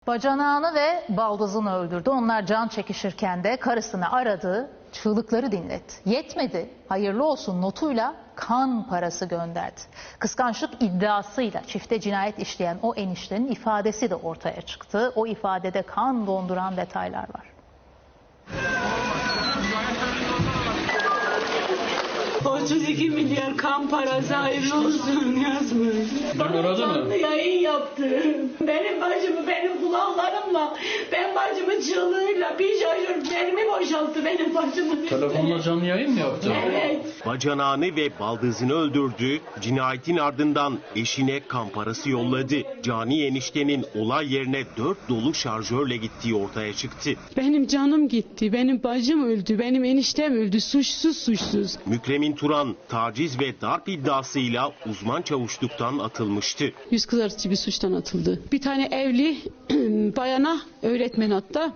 Bacanağını ve baldızını öldürdü. Onlar can çekişirken de karısını aradı, çığlıkları dinletti. Yetmedi, hayırlı olsun notuyla kan parası gönderdi. Kıskançlık iddiasıyla çifte cinayet işleyen o eniştenin ifadesi de ortaya çıktı. O ifadede kan donduran detaylar var. 32 milyar kan parası hayırlı olsun yazmış. Bana canlı yayın yaptı. Benim bacımı benim kulaklarımla, ben bacımın çığlığıyla bir şaşır benimi boşalttı benim bacımı. Telefonla canlı yayın mı yaptı? Evet. Bacanağını ve baldızını öldürdü, cinayetin ardından eşine kan parası yolladı. Cani eniştenin olay yerine 4 dolu şarjörle gittiği ortaya çıktı. Benim canım gitti, benim bacım öldü, benim eniştem öldü, suçsuz. Mükremin Turan taciz ve darp iddiasıyla uzman çavuşluktan atılmıştı. Yüz kızartıcı bir suçtan atıldı. Bir tane evli bayana, öğretmen hatta,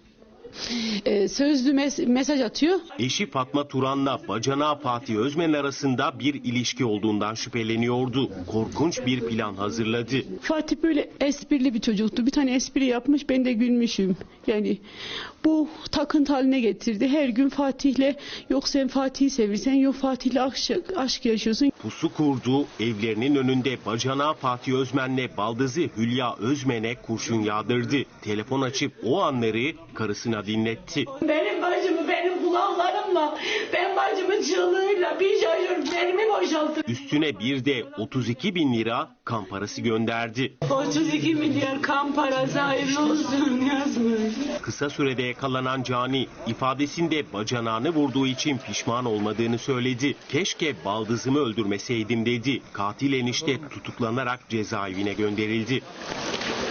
sözlü mesaj atıyor. Eşi Fatma Turan'la bacanağı Fatih Özmen arasında bir ilişki olduğundan şüpheleniyordu. Korkunç bir plan hazırladı. Fatih böyle esprili bir çocuktu. Bir tane espri yapmış, ben de gülmüşüm. Yani bu takıntı haline getirdi. Her gün Fatih'le, yok sen Fatih'i sevirsen, yok Fatih'le aşk yaşıyorsun. Pusu kurdu, evlerinin önünde bacanağı Fatih Özmen'le baldızı Hülya Özmen'e kurşun yağdırdı. Telefon açıp o anları karısına dinletti. Benim bacımı benim kulaklarımla, ben bacımın çığlığıyla bir şaşır benimi boşalttı. Üstüne bir de 32 bin lira kan parası gönderdi. 32 milyar kan parası hayırlı olsun yazmış. Kısa sürede yakalanan Cani ifadesinde bacanağını vurduğu için pişman olmadığını söyledi. Keşke baldızımı öldürmeseydim dedi. Katil enişte tutuklanarak cezaevine gönderildi.